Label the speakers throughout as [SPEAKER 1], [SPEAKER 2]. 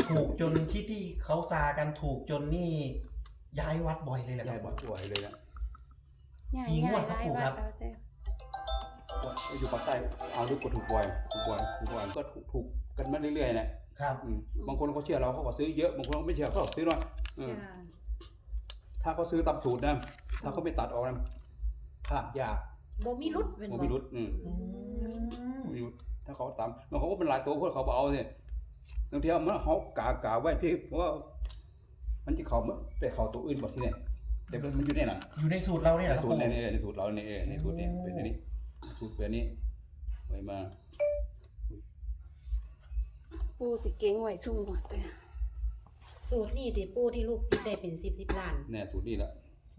[SPEAKER 1] ถูกจนที่เขาซากันถูกจนนี่ย้ายวัดบ่อยเลยแหละค
[SPEAKER 2] ย้า
[SPEAKER 1] รั
[SPEAKER 2] ย
[SPEAKER 1] บ
[SPEAKER 2] วัดบ่อยเลยนะ
[SPEAKER 1] กี่งวดครับปู่ครับ
[SPEAKER 2] อยู่ปากใต้เอาดูกดถูกบ่อยก็ถูกกันมาเรื่อยๆนะครับ บางคนเขาเชื่อเราเขาก็ซื้อเยอะบางคนเขาไม่เชื่อเขาก็ซื้อน้อยถ้าเขาซื้อตามสูตรนะถ้าเขาไม่ตัดออกนะพลาดยาก
[SPEAKER 3] บ่มีรุดเป็น
[SPEAKER 2] บ่มีรุดมีรุดถ้าเขาตามมันเขาก็เป็นหลายตัวพวกเขาบ่เอาเนี่ยบางทีมันเขากาไว้ที่เพราะว่ามันจะเขาแต่เขาตัวอื่นบ่ที่เนี่ยแต่มันอยู่ในนั้น
[SPEAKER 1] อยู่ในสูตรเราเนี่ย
[SPEAKER 2] ใน
[SPEAKER 1] ครับ
[SPEAKER 2] สูต
[SPEAKER 1] ปู่
[SPEAKER 2] รในสูตรเราเนี่ยในสูตรเนี่ยเป็นอันนี้สูตรเป็นอันนี้ไว้มา
[SPEAKER 4] ปูสิเก่งไว้ซุ่มหมดเลย
[SPEAKER 3] สูตรนี่ที่ปู่ที่ลูกสิได้เป็น10ล้าน
[SPEAKER 2] แน่สูตรนี้ละ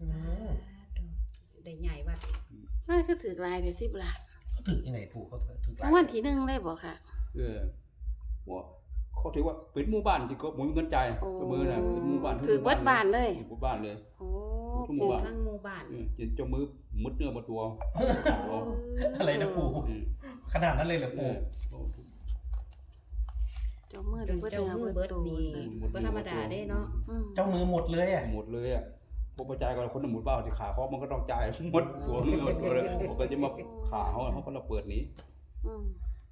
[SPEAKER 3] ได้ใหญ่วัด
[SPEAKER 4] น่าคือถือลายได้10 ล้าน
[SPEAKER 1] เขาถือที่ไหนปู่เขาถือ
[SPEAKER 4] รางวัลที่1ได้บ่ค่ะ
[SPEAKER 2] ว่าเขาถือว่าเป็นหมู่บ้านที่เขาบ่มีเงินจ่ายตัวมือน่ะเป็นหมู่บ้าน
[SPEAKER 4] ถือเบิดบ้านเลย
[SPEAKER 2] หมู่บ้านเลย
[SPEAKER 4] โอ้
[SPEAKER 2] ทุกห
[SPEAKER 3] ปลู
[SPEAKER 2] มู่
[SPEAKER 3] ก
[SPEAKER 2] บ้าน
[SPEAKER 3] ทั้งหมู่บ้าน
[SPEAKER 2] เจ้ามือมุดเนื้อมาตัว
[SPEAKER 1] อะไรนะปู่ขนาดนั้นเลยเหรอ
[SPEAKER 2] เอ
[SPEAKER 1] ปู่
[SPEAKER 2] อ
[SPEAKER 4] เจ้ามือได้เบิด
[SPEAKER 3] เจ้า
[SPEAKER 4] เนื้อ
[SPEAKER 3] มือ
[SPEAKER 4] เบิ
[SPEAKER 3] เบิ
[SPEAKER 4] ด
[SPEAKER 3] ด
[SPEAKER 4] ตัว
[SPEAKER 3] นี่
[SPEAKER 4] ซะ
[SPEAKER 3] บ่ธรรมดาเด้เนาะ
[SPEAKER 1] เจ้ามือหมดเลยอ่ะ
[SPEAKER 2] หมดเลยอ่ะพวกประจายกับคนหมู่บ้านที่ขาเขามันก็ต้องจ่ายหมดตัวหมดตัวเลยเขาก็จะมาขาเขาก็เราเปิดหนี
[SPEAKER 4] อืม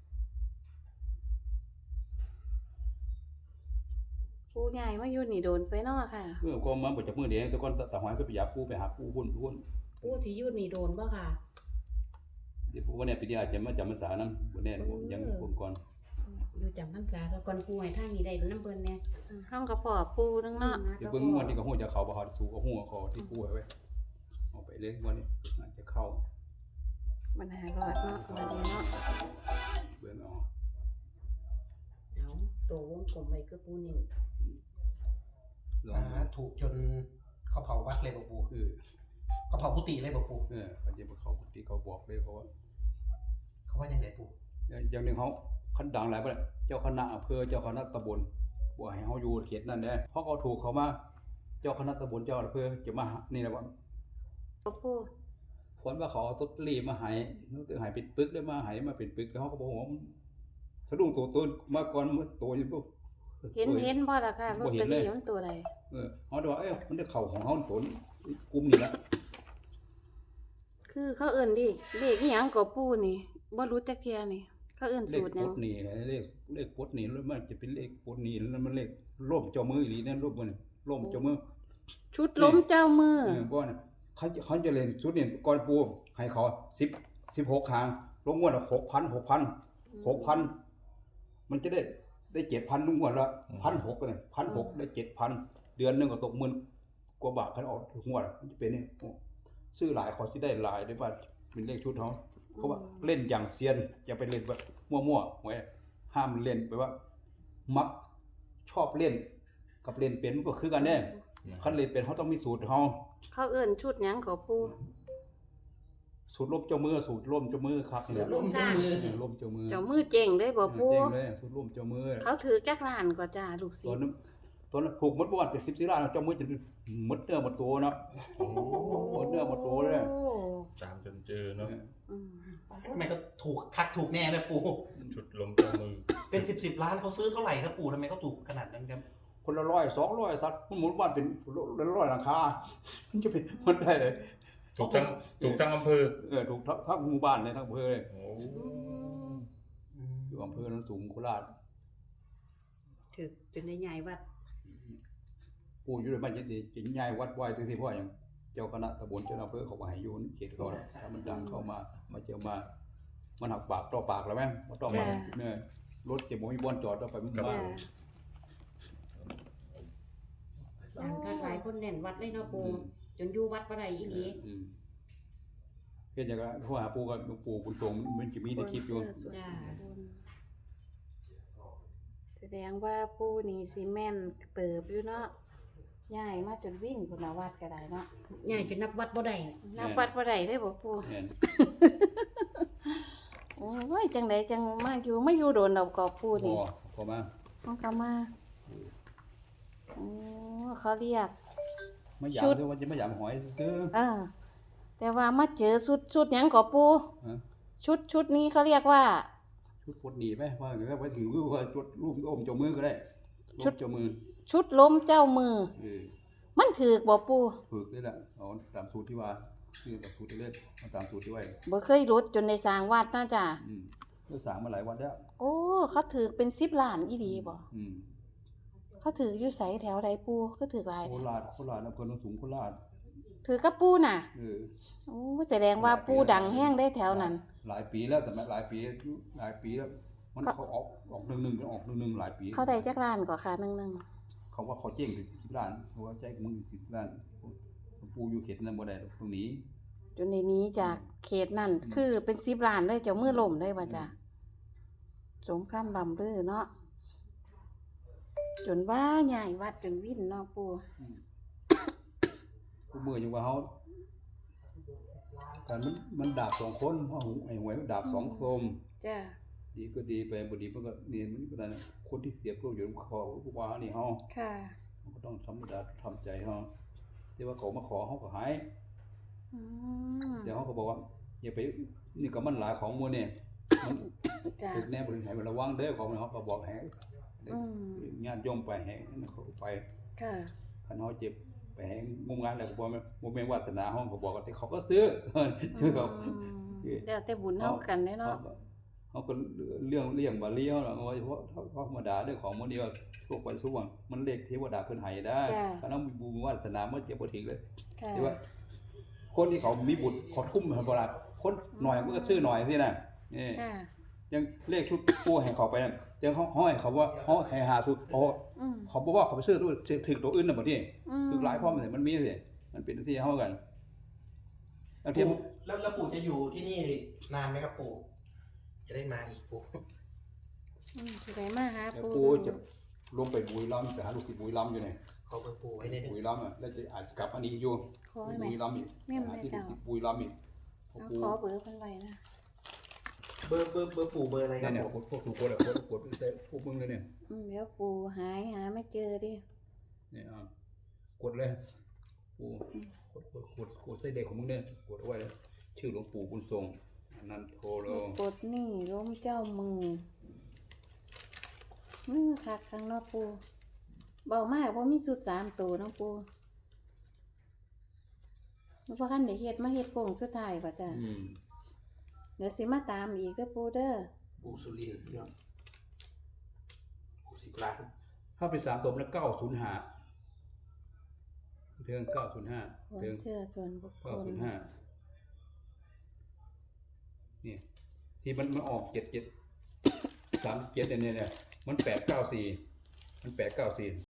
[SPEAKER 4] ปูใหญ่มาอยู่นี่โดนไปเนาะค่ะ
[SPEAKER 2] ก็มาบ่จากมือเดียวแต่ก่อนตาหอยก็ไปหาปูไปหาปูหุ้น
[SPEAKER 3] ปู่ที่อยู่นี่โดนบ่ค่ะ
[SPEAKER 2] เดี๋ยวปูว่าเนี่ยปีนี้อาจจะมาจำพรรษานํบ่แน่ยังคนก่อน
[SPEAKER 3] อยู่จำพรรษาซะก่อนปู่ให้ทางนี้ได้นำเพิ่นแน่
[SPEAKER 4] ห้องกระป๋อปูนึงเนาะ
[SPEAKER 2] เดี๋ยวเบิ่งวันนี้ก็ฮู้จะเข้าบ่ฮอดสู่ก็ฮู้เขาที่ปูไว้เอาไปเลยวันนี้อาจจะเข้า
[SPEAKER 4] มันหารอดเนาะวันนี้เนาะ
[SPEAKER 2] เบิ่งเอา
[SPEAKER 3] เอาตัววงกลมไว้คือปู่นี่
[SPEAKER 2] ลองดู
[SPEAKER 1] ถูกจนเขาเผาวัดเลยบอกปู่
[SPEAKER 2] เออ
[SPEAKER 1] เขาเผากุฏิเลยบอกปู่
[SPEAKER 2] เขาจะมาเข้ากุฏิเขาบอกเลยเขาว่า
[SPEAKER 1] เขาว่ายังไงปู่
[SPEAKER 2] อย่างหนึงเขาคันดังหลายบ่เจ้าคณะอำเภอเจ้าคณะตำบลบ่ให้เฮาอยู่เขตนั้นเด้เพราะเขาถูกเขามาเจ้าคณะตำบลเจ้าอำเภอจะมานี่แหละว่า
[SPEAKER 4] ปู
[SPEAKER 2] ควรว่าเขาเอาตตรีมาให้นึกถึงให้เป็นปึกได้มาให้มาเป็นปึกแล้วเขาก็บอกว่าสะดุ้งตัวมาก่อนตัวอยู่ปุ๊บ
[SPEAKER 4] เห็นบ่ล่ะค่ะลอตเตอรี่มันตัวใด
[SPEAKER 2] เขาบอกมันได้เข้าของเฮาตัวกลุ่มนี้ละ
[SPEAKER 4] คือเขาเอิ้นดิเลขอีหยังก็ปูนี่บ่รู้จักเที่ยนี่เขาเอิ้น
[SPEAKER 2] เล
[SPEAKER 4] สู
[SPEAKER 2] ข
[SPEAKER 4] ตรหยัง
[SPEAKER 2] ปดนี่เลขปดนี่แล้วมันจะเป็นเลขปดนี่แล้วมันเลขร่มเจ้ามืออีหลีนั่นร่มมันร่มเจ้ามือ
[SPEAKER 4] ชุดล้มเจ้ามือ
[SPEAKER 2] บ่น่ะเขาจะเล่นชุดนี่ก่อนปูให้เขา16ครั้งลงงวดละ6,000 มันจะได้ 7,000 ลงงวดละ 1,600 เนี่ย 1,600 ได้ 7,000 เดือนนึงก็ตก10,000กว่าบาทคันออกงวดมันจะเป็นนี่ซื้อหลายเขาสิได้หลายได้ว่าเป็นเลขชุดเขาเขาว่าเล่นอย่างเซียนอย่าไปเล่นแบบมั่วๆไว้ห้ามเล่นไปว่า มักชอบเล่นกับเล่นเป็นมันก็คือกันแน่คันเล่นเป็นเขาต้องมีสูตรเขา
[SPEAKER 4] เขาเอิ้นชุดหยังก็ปู
[SPEAKER 2] สูตรลมเจ้ามือสูตรลมเจ้ามือครับ
[SPEAKER 1] สูตรลมเจ้ามือ
[SPEAKER 2] ลมเจ้ามือ
[SPEAKER 4] เจ้ามือเจ๋งเลยบ่ปู
[SPEAKER 2] เจ๋งเลยสูตรลมเจ้ามือ
[SPEAKER 4] เขาถือจักล้านก็จ้าลูกศิ
[SPEAKER 2] ตอ
[SPEAKER 4] ษ
[SPEAKER 2] น
[SPEAKER 4] ย์
[SPEAKER 2] นั้นถูกหมดบ่วันเป็น10 ล้านเจ้ามือจะหมดเนื้อหมดตัวเนาะ
[SPEAKER 5] โอ้
[SPEAKER 2] หมดเนื้อหมดตัวเลย
[SPEAKER 4] โอ้
[SPEAKER 5] ตามจนเจอเนาะ
[SPEAKER 4] อืม
[SPEAKER 1] ทำไมก็ถูกคักถูกแน่เลยปู่
[SPEAKER 5] ชุดลมเจ้ามือ
[SPEAKER 1] เป็น10ล้านเขาซื้อเท่าไหร่ครับปู่ทำไมเขาถูกขนาดนั้นครับ
[SPEAKER 2] คนละ100 200สัตว์มันหมุนบ้านเป็น100หลังคามันจะเป็นมันได้เลย
[SPEAKER 5] ถูกทั้งอำเภอ
[SPEAKER 2] ถูกทั้งหมู่บ้านเลยทั้งอำเภอเลย
[SPEAKER 5] โอ้
[SPEAKER 2] อยู่อำเภอโนนสูงโคราช
[SPEAKER 3] ถึกจนได้ใหญ่วัด
[SPEAKER 2] ปู่อยู่ในบ้านยังดีจิงใหญ่วัดไว้ที่พ่ออย่างเจ้าคณะตำบลเจ้าอำเภอเขาก็ให้อยู่เขตเขาถ้ามันดังเข้ามาเจอมามันหักปากต่อปากแล้วแม่บ่ต้องมาเนี่ยรถเจ็บบ่มีบ่อนจอดเอาไปมันมา
[SPEAKER 4] จ้า
[SPEAKER 3] ดังคักหลายคนแน่นวัดเลยเนาะปู่จนอยู่วัดบ่ได้อีหลี
[SPEAKER 2] เฮ็ดจังก็โทรหาปู่กับหลวงปู่บุญทรงมันจะมีในคลิปอยู่
[SPEAKER 3] จ้า
[SPEAKER 4] แสดงว่าปูนี่สิแม่นเติบอยู่เนาะย้ายมาจนวิ่งพุ่นละวัดก็ได้เนาะ
[SPEAKER 3] ใหญ่จนนับวัดบ่ได้
[SPEAKER 4] นับวัดบ่ได้ได้บ่ปู
[SPEAKER 2] แม่น
[SPEAKER 4] โอ้ยจังไดจังมาอยู่โดนดอกกอบปูนี่
[SPEAKER 2] พอมา
[SPEAKER 4] มันก็มาโอ้เขาเรียก
[SPEAKER 2] ไม่อยากคือว่าจะไม่อยากหอยซื้อ
[SPEAKER 4] แต่ว่ามาเจอชุดหยังกอบปู
[SPEAKER 2] ฮะ
[SPEAKER 4] ชุดนี้เขาเรียกว่า
[SPEAKER 2] ชุดปลดหนีไหมว่าอย่างนั้นไปถึงว่าจุดรูปอมเจ้ามือก็ได้ชุดเจ้ามือ
[SPEAKER 4] ชุดล้มเจ้ามือ มันถูกบ่ปู
[SPEAKER 2] ฝึกนี่แหละเอาตามสูตรที่ว่าคือตามสูตรที่เล่นเอาตามสูตรที่ไว้
[SPEAKER 4] บ่เคยรุดจนได้สร้างวัดนะจ้ะ
[SPEAKER 2] ก็สร้างมาหลายวันแล้ว
[SPEAKER 4] โอ้เขาถูกเป็น10ล้านอีหลีบ่เขาถูกอยู่ไสแถวใดปูก็ถูกหลาย
[SPEAKER 2] โค
[SPEAKER 4] แท้
[SPEAKER 2] ราชอำเภอโนนสูงโคราช
[SPEAKER 4] ถือกับปูน่ะ โอ้แสดงว่าปูดังแห้งได้แถวนั้น
[SPEAKER 2] หลายปีแล้วแต่หลายปีแล้วมันเขาออก11ออก11หลายปี
[SPEAKER 4] เขาได้จักล้านกว่าค่ะนึง
[SPEAKER 2] เขาว่าเขาเจ๊งถึง10ล้านเขาว่าใจมึง10ล้านปูอยู่เขตนั้นบ่ได้ตรงนี้
[SPEAKER 4] จนในนี้จากเขตนั่นคือเป็น10ล้านเลยเจ้ามือล่มได้บ่จ้ะสงครามลำลือเนาะจนว่าใหญ่วัดจนวิ่นเนาะปู
[SPEAKER 2] กูมือยังว่าเฮาการมันดาบ2คนเพราะไอ้หวยมันดาบ2คม
[SPEAKER 4] จ้ะ
[SPEAKER 2] ดีก็ดีไปบ่ดีมันก็นี่มันก็ได้คนที่เสียประโยชน์ขอว่านี่เฮา
[SPEAKER 4] ค่ะ
[SPEAKER 2] ก็ต้องธรรมดาทำใจเฮาแต่ว่าเขามาขอเฮาก็หาย
[SPEAKER 4] อืม
[SPEAKER 2] แต่เฮาก็บอกว่าอย่าไปนี่ก็มันหลายของหมู่นี่มัน
[SPEAKER 4] จ้ะ
[SPEAKER 2] ถูกแน่บ่ได้ให้ระวังเด้อของเฮาก็บอกให้
[SPEAKER 4] อืม
[SPEAKER 2] ญาติโยมไปให้เขาก็ไป
[SPEAKER 4] ค่ะ
[SPEAKER 2] คันเฮาเจ็บไปให้งมงานแล้วก็บ่แม่นวาสนาเฮาก็บอกว่าแต่เขาก็ซื้อซื้อเขา
[SPEAKER 4] แล้วแต่บุญเฮากันเนาะ
[SPEAKER 2] เขาก็เรื่องบาลีเขาเนาะว่าเพราะธรรมดาเรื่องของมันนี่ว่าทั่วไปทุกวันมันเลขเทวดาเพิ่นให้ได้คันเอามีบุญวาสนามันเจ็บบ่ถึงเลย
[SPEAKER 4] ค่ะ
[SPEAKER 2] แต่ว่าคนที่เขามีบุญเขาทุ่มให้บ่ล่ะคนหน่อยมันก็ซื้อหน่อยสิน่ะนี่
[SPEAKER 4] ค่ะ
[SPEAKER 2] ยังเลขชุดปู่ให้เขาไปนั่นแต่เขาให้เขาว่าเขาให้หาชุดเขาบอกว่าเขาไปซื้อตัวถึกตัวอื่นน่ะบ่ที่ถึกหลายพร้อมมันมีสิมันเป็นที่เฮากันบางที
[SPEAKER 1] ปู่แล้วปู่จะอยู่ที่นี่นานไหมครับปู่จะได้มาอีกปู่
[SPEAKER 4] สิได้มาหาปู
[SPEAKER 2] ปู่จะลงไปบุรีรัมย์ไปหาลูกศิษย์บุรีรัมย์อยู่นี่
[SPEAKER 1] ขอเบอร์ปู่ไว้ใน
[SPEAKER 2] บุรีรัมย์อ่ะแล้วจะอาจจะกลับอันนี้อยู่
[SPEAKER 4] ขอให้
[SPEAKER 2] บุ
[SPEAKER 4] แม่
[SPEAKER 2] รีรัมย์อีก
[SPEAKER 4] แม่น
[SPEAKER 2] หา
[SPEAKER 4] ได้
[SPEAKER 2] ที่
[SPEAKER 4] เจ้า
[SPEAKER 2] บุรีรัมย์อีก
[SPEAKER 4] เอาขอเบอร์เพิ่นไว้นะ
[SPEAKER 1] เบอร์ปู่เบอร์อะไรค
[SPEAKER 2] เนี่
[SPEAKER 1] รั
[SPEAKER 2] ย
[SPEAKER 1] บ
[SPEAKER 2] เนี่ย
[SPEAKER 1] ผม
[SPEAKER 2] พวกถูกกดอ่ะกดใส่พวกมึงเลยเนี่ย
[SPEAKER 4] เดี๋ยวปูหาไม่เจอดิ
[SPEAKER 2] เนี่ยกดเลยปู่กดใส่เด็กของมึงเนี่ยกดเอาไว้เลยชื่อหลวงปู่บุญทรงอนันโทโล
[SPEAKER 4] กดนี่ล้มเจ้ามือคักข้างนอกปูเบามากเพราะมีสุด3ตัวเนาะปูแล้วพอคันได้เฮ็ดมาเฮ็ดโป่งสุดท้ายป่ะจ้ะเดี๋ยวสิมาตามอีกเด้อปูเด้อ
[SPEAKER 1] ปู่สุรินทร์เนาะ60 ล้าน
[SPEAKER 2] ถ้าเป็น3ตัวมัน905เรื่อง905
[SPEAKER 4] ขอ
[SPEAKER 2] เรื่อง
[SPEAKER 4] เชื่อส่วนบุคคล
[SPEAKER 2] 905นี่ที่มันออก7737เนี่ยมัน894มัน894